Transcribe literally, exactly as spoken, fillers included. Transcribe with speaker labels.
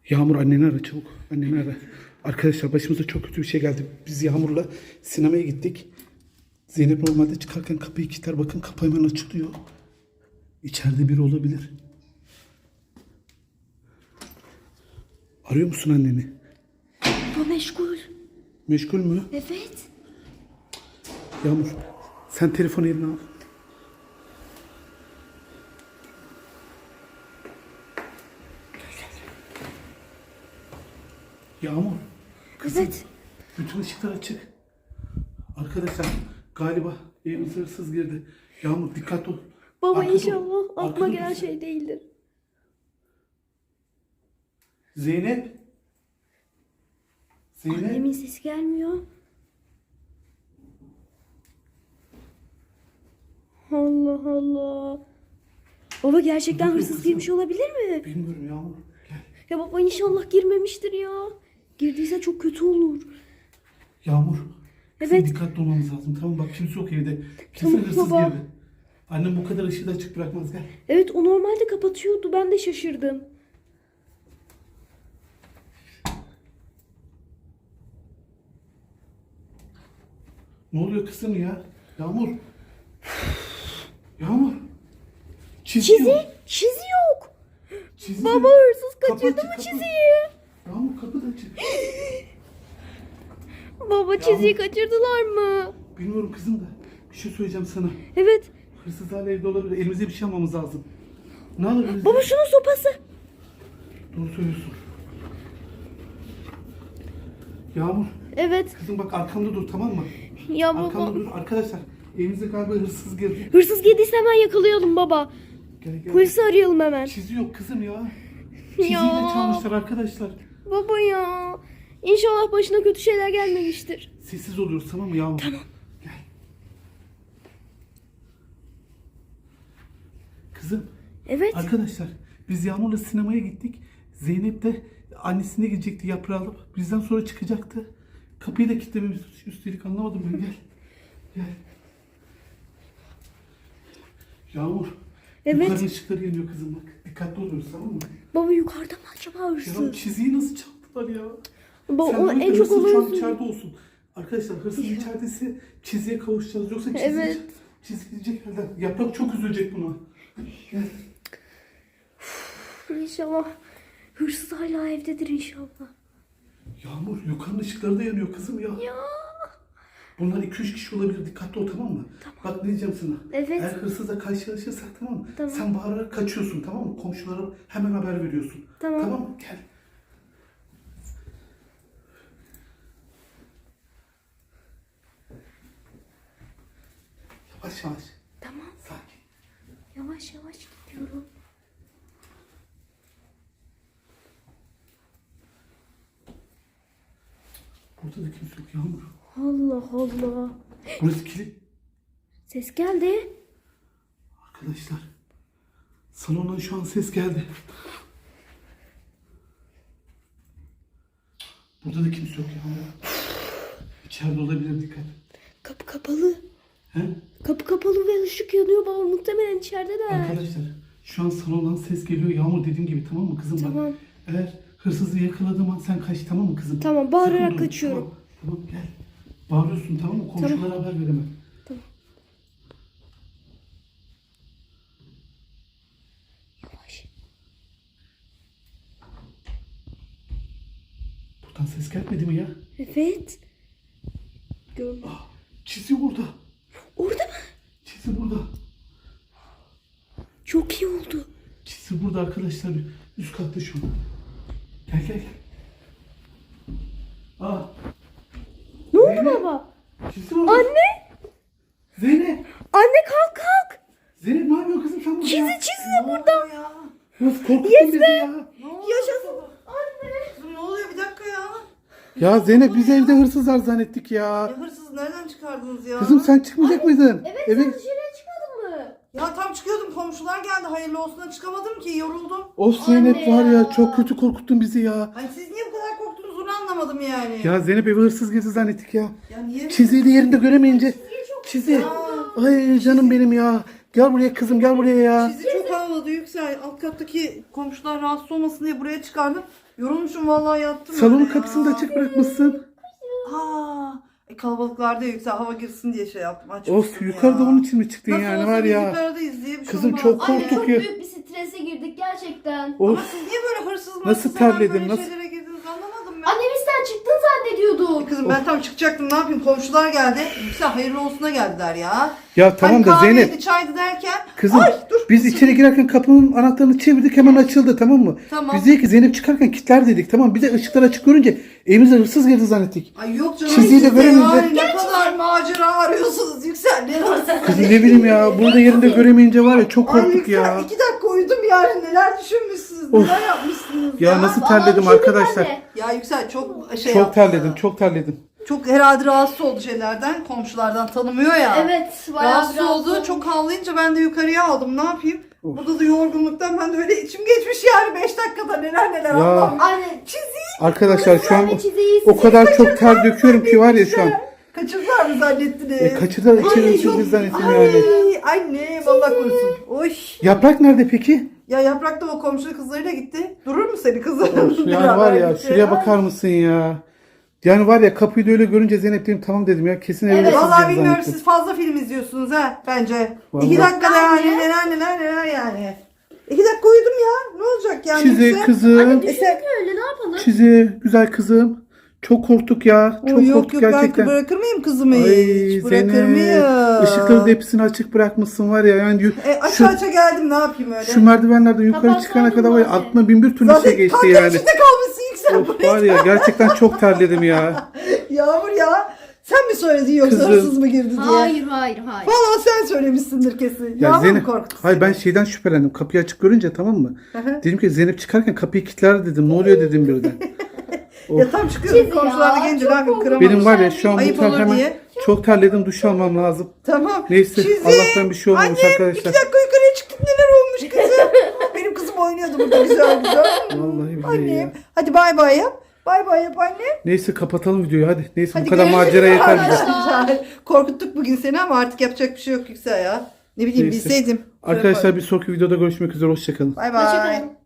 Speaker 1: Yağmur anneni ara çabuk. Anneni ara. Arkadaşlar başımıza çok kötü bir şey geldi. Biz Yağmur'la sinemaya gittik. Zeynep normalde çıkarken kapıyı kilitler. Bakın kapı hemen açılıyor. İçeride biri olabilir. Arıyor musun anneni?
Speaker 2: Bu meşgul.
Speaker 1: Meşgul mü?
Speaker 2: Evet.
Speaker 1: Yağmur sen telefonu eline al. Yağmur. Kızım,
Speaker 2: Evet.
Speaker 1: bütün ışıklar açık. Arkadaşlar galiba evimize hırsız girdi. Yağmur dikkat ol.
Speaker 2: Baba
Speaker 1: Arkada ol.
Speaker 2: inşallah aklıma
Speaker 1: Arkada
Speaker 2: gelen
Speaker 1: dur.
Speaker 2: şey değildir.
Speaker 1: Zeynep. Zeynep.
Speaker 2: Annemin sesi gelmiyor. Allah Allah. Baba gerçekten
Speaker 1: Bakıyor
Speaker 2: hırsız
Speaker 1: kızım.
Speaker 2: girmiş olabilir mi?
Speaker 1: Bilmiyorum Yağmur. Gel.
Speaker 2: Ya baba inşallah girmemiştir ya. Girdiyse çok kötü olur.
Speaker 1: Yağmur. Kızım
Speaker 2: Evet.
Speaker 1: dikkatli olmamız lazım. Tamam bak kimse yok evde. Kesin
Speaker 2: Tamam
Speaker 1: hırsız
Speaker 2: baba.
Speaker 1: girdi. Annem bu kadar ışığı da açık bırakmaz gel.
Speaker 2: Evet o normalde kapatıyordu. Ben de şaşırdım.
Speaker 1: Ne oluyor kızım ya? Yağmur. Yağmur. Çizi,
Speaker 2: Çizi?
Speaker 1: yok.
Speaker 2: Çizi yok.
Speaker 1: Çizi
Speaker 2: Baba
Speaker 1: yok.
Speaker 2: hırsız
Speaker 1: Kapı
Speaker 2: kaçırdı
Speaker 1: açık,
Speaker 2: mı
Speaker 1: kapı.
Speaker 2: çiziyi?
Speaker 1: Yağmur kapı da açık.
Speaker 2: Baba çiziyi kaçırdılar mı?
Speaker 1: Bilmiyorum kızım da. Bir şey söyleyeceğim sana.
Speaker 2: Evet.
Speaker 1: Hırsız hala evde olabilir. Elimize bir şey almamız lazım. Ne alabiliriz?
Speaker 2: Baba şunun sopası.
Speaker 1: Doğru söylüyorsun. Yağmur.
Speaker 2: Evet.
Speaker 1: Kızım bak arkamda dur tamam mı?
Speaker 2: Ya
Speaker 1: Arkamda
Speaker 2: baba.
Speaker 1: dur. Arkadaşlar evimize galiba hırsız girdi.
Speaker 2: Hırsız girdiyse hemen yakalayalım baba.
Speaker 1: Gel gel.
Speaker 2: Polisi arayalım hemen.
Speaker 1: Çizi yok kızım ya. Çiziyi
Speaker 2: Ya.
Speaker 1: de çalmışlar arkadaşlar.
Speaker 2: Baba ya. İnşallah başına kötü şeyler gelmemiştir.
Speaker 1: Sessiz oluyoruz tamam mı Yağmur?
Speaker 2: Tamam.
Speaker 1: Gel. Kızım.
Speaker 2: Evet.
Speaker 1: Arkadaşlar biz Yağmur'la sinemaya gittik. Zeynep de annesine gidecekti yaprağı alıp. Bizden sonra çıkacaktı. Kapıyı da kilitlememiz üstelik anlamadım ben gel. Gel. Yağmur.
Speaker 2: Evet.
Speaker 1: Yukarının ışıkları yanıyor kızım bak. Dikkatli oluyoruz tamam mı?
Speaker 2: Baba yukarıda mı acaba
Speaker 1: Ya
Speaker 2: hırsız?
Speaker 1: çiziyi nasıl çaldılar ya?
Speaker 2: Baba
Speaker 1: Sen
Speaker 2: o
Speaker 1: bırak da
Speaker 2: en çok
Speaker 1: hırsız şu an
Speaker 2: olan
Speaker 1: içeride olsun. Arkadaşlar hırsız içerideyse çiziye kavuşacağız. Yoksa çizi,
Speaker 2: Evet.
Speaker 1: çizi gidecek elden. Yaprak çok üzülecek buna. Gel.
Speaker 2: İnşallah hırsız hala evdedir inşallah.
Speaker 1: Yağmur yukarının ışıkları da yanıyor kızım ya.
Speaker 2: Ya.
Speaker 1: Bunlar iki üç kişi olabilir. Dikkatli ol tamam mı? Bak ne diyeceğim sana.
Speaker 2: Evet.
Speaker 1: Eğer hırsızla karşılaşırsak tamam mı?
Speaker 2: Tamam.
Speaker 1: Sen bağırarak kaçıyorsun tamam mı? Komşulara hemen haber veriyorsun.
Speaker 2: Tamam.
Speaker 1: Tamam mı? Gel. Yavaş yavaş.
Speaker 2: Tamam.
Speaker 1: Sakin.
Speaker 2: Yavaş yavaş gidiyorum.
Speaker 1: Burada da kimse yok Yağmur.
Speaker 2: Allah Allah.
Speaker 1: Burası kilit.
Speaker 2: Ses geldi.
Speaker 1: Arkadaşlar. Salondan şu an ses geldi. Burada da kimse yok Yağmur. İçeride olabilir dikkat.
Speaker 2: Kapı kapalı.
Speaker 1: He?
Speaker 2: Kapı kapalı ve ışık yanıyor baba. Muhtemelen içerideler.
Speaker 1: Arkadaşlar şu an salondan ses geliyor. Yağmur dediğim gibi tamam mı kızım?
Speaker 2: Tamam.
Speaker 1: Bak, eğer hırsızı yakaladığım an sen kaç tamam mı kızım?
Speaker 2: Tamam, bağırarak
Speaker 1: Sakın durma,
Speaker 2: kaçıyorum.
Speaker 1: Tamam, tamam gel. Bağırıyorsun tamam mı? Komşulara haber veremem.
Speaker 2: Tamam. Yavaş.
Speaker 1: Buradan ses gelmedi mi ya?
Speaker 2: Evet. Gördüm.
Speaker 1: Ah, çizi orada.
Speaker 2: Orada mı?
Speaker 1: Çizi burada.
Speaker 2: Çok iyi oldu.
Speaker 1: Çizi burada arkadaşlar. Üst katta şu an. Gel gel gel. Aa,
Speaker 2: Ne oldu
Speaker 1: Zeynep.
Speaker 2: baba?
Speaker 1: çizi orada.
Speaker 2: Anne.
Speaker 1: Zeynep.
Speaker 2: Anne kalk kalk.
Speaker 1: Zeynep ne yapıyorsun kızım sen burada?
Speaker 2: Çizi
Speaker 1: ya?
Speaker 2: çizi de burada.
Speaker 3: Ya.
Speaker 1: Nasıl korkuttun
Speaker 2: Yes
Speaker 1: bizi
Speaker 2: be.
Speaker 1: ya?
Speaker 3: Ne oluyor?
Speaker 2: Yaşasın. Anne.
Speaker 3: Kızım ne oluyor bir dakika ya.
Speaker 1: Ya Zeynep biz evde hırsızlar zannettik ya.
Speaker 3: Ya hırsızı nereden çıkardınız ya?
Speaker 1: Kızım sen çıkmayacak mıydın?
Speaker 2: Evet
Speaker 1: Eve...
Speaker 2: sen dışarıya çıkmadın mı?
Speaker 3: Ya tam çıkıyordum komşular geldi hayırlı olsuna çıkamadım ki yoruldum.
Speaker 1: Of Zeynep
Speaker 2: Anne
Speaker 1: var ya
Speaker 2: ya.
Speaker 1: çok kötü korkuttun bizi ya.
Speaker 3: Hani siz niye bu kadar korktunuz onu anlamadım yani.
Speaker 1: Ya Zeynep eve hırsız girdi zannettik ya.
Speaker 3: Ya niye?
Speaker 1: Çiziyi de yerinde göremeyince. Çizi. Ay canım benim ya. Gel buraya kızım gel buraya ya.
Speaker 3: Çizi çok havladı Yüksel. Alt kattaki komşular rahatsız olmasın diye buraya çıkardım. Yorulmuşum vallahi yattım.
Speaker 1: Salonun
Speaker 3: öyle ya.
Speaker 1: kapısını da açık bırakmışsın.
Speaker 3: Aa, e, kalabalıklarda yüksel hava girsin diye şey yaptım. Açmıştım
Speaker 1: Of
Speaker 3: ya.
Speaker 1: yukarıda onun için mi çıktın
Speaker 3: Nasıl
Speaker 1: yani
Speaker 3: olsa
Speaker 1: var
Speaker 3: biz
Speaker 1: ya.
Speaker 3: yukarıdayız diye bir şey
Speaker 1: Kızım
Speaker 3: olmaz.
Speaker 1: çok
Speaker 2: Anne
Speaker 1: korktuk
Speaker 2: çok
Speaker 1: ya.
Speaker 2: büyük bir strese girdik gerçekten.
Speaker 1: Of.
Speaker 3: Ama siz niye böyle hırsız
Speaker 1: Nasıl
Speaker 3: mırsız hemen
Speaker 1: terledin,
Speaker 3: böyle
Speaker 1: nasıl-
Speaker 3: şeylere girdiniz anlamadım ben.
Speaker 2: Anne biz sen çıktın zannediyorduk.
Speaker 3: Kızım ben tam çıkacaktım ne yapayım komşular geldi. Yüksel hayırlı olsuna geldiler ya.
Speaker 1: Ya tamam
Speaker 3: hani
Speaker 1: da
Speaker 3: kahveydi,
Speaker 1: Zeynep.
Speaker 3: çaydı derken.
Speaker 1: Kızım
Speaker 3: Ay dur.
Speaker 1: biz içeri girerken kapının anahtarını çevirdik hemen açıldı tamam mı?
Speaker 3: Tamam.
Speaker 1: Biz dedik ki Zeynep çıkarken kilitler dedik tamam. Bir de ışıklar açık görünce evimize hırsız girdi zannettik.
Speaker 3: Ay yok canım.
Speaker 1: Çizgiyi de
Speaker 3: siz de
Speaker 1: göremeyince-
Speaker 3: yani ne kadar macera arıyorsunuz Yüksel. Ne hırsız.
Speaker 1: Kızım ne bileyim ya burada yerinde göremeyince var ya çok
Speaker 3: Ay
Speaker 1: korktuk
Speaker 3: Yüksel
Speaker 1: ya.
Speaker 3: iki dakika uyudum yani neler düşünmüşsünüz
Speaker 1: Of.
Speaker 3: neler yapmışsınız
Speaker 1: Ya
Speaker 3: ya.
Speaker 1: nasıl
Speaker 2: Vallahi
Speaker 1: terledim
Speaker 2: bir şey
Speaker 1: arkadaşlar.
Speaker 2: değil
Speaker 3: Ya Yüksel çok şey
Speaker 1: Çok
Speaker 3: yaptı.
Speaker 1: terledim çok terledim.
Speaker 3: Çok herhalde rahatsız oldu şeylerden komşulardan tanımıyor ya.
Speaker 2: Evet bayağı
Speaker 3: Rahatsız
Speaker 2: biraz
Speaker 3: oldu.
Speaker 2: olmuş.
Speaker 3: Çok havlayınca ben de yukarıya aldım. Ne yapayım?
Speaker 1: Of.
Speaker 3: Burada da yorgunluktan ben de öyle içim geçmiş yani beş dakikada neler neler
Speaker 1: Ya.
Speaker 3: Allah'ım.
Speaker 2: Anne
Speaker 3: Çizeyim.
Speaker 1: Arkadaşlar şu an
Speaker 2: anne çizeyi
Speaker 1: o kadar çok ter döküyorum ki var ya şu an.
Speaker 3: Kaçırdılar mı zannettiniz?
Speaker 1: E, kaçırdılar içeri
Speaker 3: Ay,
Speaker 1: hırsız
Speaker 3: yok.
Speaker 1: girdi zannettim
Speaker 3: Ay,
Speaker 1: yani.
Speaker 3: anne vallahi korusun. Oy.
Speaker 1: Yaprak nerede peki?
Speaker 3: Ya Yaprak da o komşu kızlarıyla gitti. Durur mu seni kızım?
Speaker 1: Of, yani var ya şuraya bakar mısın ya? Yani var ya kapıyı da öyle görünce Zeynep dedim tamam dedim ya kesin evde
Speaker 2: Evet.
Speaker 1: hırsız
Speaker 3: Vallahi
Speaker 1: girdi
Speaker 3: bilmiyorum
Speaker 1: zannettim.
Speaker 3: siz fazla film izliyorsunuz ha bence.
Speaker 1: Vallahi.
Speaker 3: İki dakikada yani
Speaker 2: Anne.
Speaker 3: neler neler neler yani. İki dakika uyudum ya. Ne olacak yani?
Speaker 1: Çize
Speaker 3: Yüksel?
Speaker 1: kızım.
Speaker 2: Anne
Speaker 3: E
Speaker 2: düşündük öyle ne yapalım?
Speaker 1: Çize güzel kızım. Çok korktuk ya. Çok
Speaker 3: Oy, yok
Speaker 1: korktuk
Speaker 3: yok
Speaker 1: gerçekten.
Speaker 3: ben bırakır mıyım kızımı
Speaker 1: Ay
Speaker 3: hiç? Bırakır
Speaker 1: Zeynep.
Speaker 3: mıyım?
Speaker 1: Işıkları da hepsini açık bırakmışsın var ya. Yani yu-
Speaker 3: E,
Speaker 1: şu,
Speaker 3: aşağı aşağı geldim ne yapayım öyle?
Speaker 1: şu merdivenlerden yukarı
Speaker 2: Kapatsaydın
Speaker 1: çıkana kadar var ya
Speaker 2: bari.
Speaker 1: aklına bin bir türlü
Speaker 3: Zaten
Speaker 1: şey geçti
Speaker 3: kanka
Speaker 1: yani.
Speaker 3: içinde kalmışsın Yüksel.
Speaker 1: Of var ya gerçekten çok terledim ya.
Speaker 3: Yağmur ya. Sen mi söyledin yoksa
Speaker 1: Kızım.
Speaker 3: hırsız mı girdi diye?
Speaker 2: Hayır hayır hayır.
Speaker 3: Valla sen söylemişsindir kesin.
Speaker 1: Ya
Speaker 3: Yağmur mu
Speaker 1: Zeynep,
Speaker 3: korktu
Speaker 1: hayır ben
Speaker 3: seni?
Speaker 1: şeyden şüphelendim. Kapıyı açık görünce tamam mı?
Speaker 3: Hı.
Speaker 1: Dedim ki Zeynep çıkarken kapıyı kilitler dedim. Ne oluyor dedim birden.
Speaker 3: Ya tam çıkıyorum
Speaker 2: Çiz
Speaker 3: komşular da
Speaker 2: ya,
Speaker 3: gelince
Speaker 2: çok
Speaker 3: ne yapayım
Speaker 2: korkunç.
Speaker 3: kıramadım.
Speaker 1: Benim var ya şu an bu
Speaker 3: Ayıp
Speaker 1: ter
Speaker 3: olur
Speaker 1: hemen
Speaker 3: diye.
Speaker 1: çok terledim duş almam lazım.
Speaker 3: Tamam.
Speaker 1: Neyse
Speaker 3: Çizi.
Speaker 1: Allah'tan bir şey olmamış
Speaker 3: Annem,
Speaker 1: arkadaşlar.
Speaker 3: iki dakika yukarıya çıktık neler olmuş kızım. Benim kızım oynuyordu burada güzel güzel.
Speaker 1: Vallahi billahi
Speaker 3: Annem.
Speaker 1: ya.
Speaker 3: Hadi bay bay yap. Bay bay yap anne.
Speaker 1: Neyse kapatalım videoyu hadi. Neyse
Speaker 3: Hadi
Speaker 1: bu kadar
Speaker 3: görüşürüz
Speaker 1: macera yeter bize.
Speaker 3: arkadaşlar. Korkuttuk bugün seni ama artık yapacak bir şey yok Yüksel ya. Ne bileyim
Speaker 1: Neyse.
Speaker 3: bilseydim.
Speaker 1: Arkadaşlar bir sonraki videoda görüşmek üzere. Hoşçakalın.
Speaker 3: Bay bay.
Speaker 2: Hoşçakalın.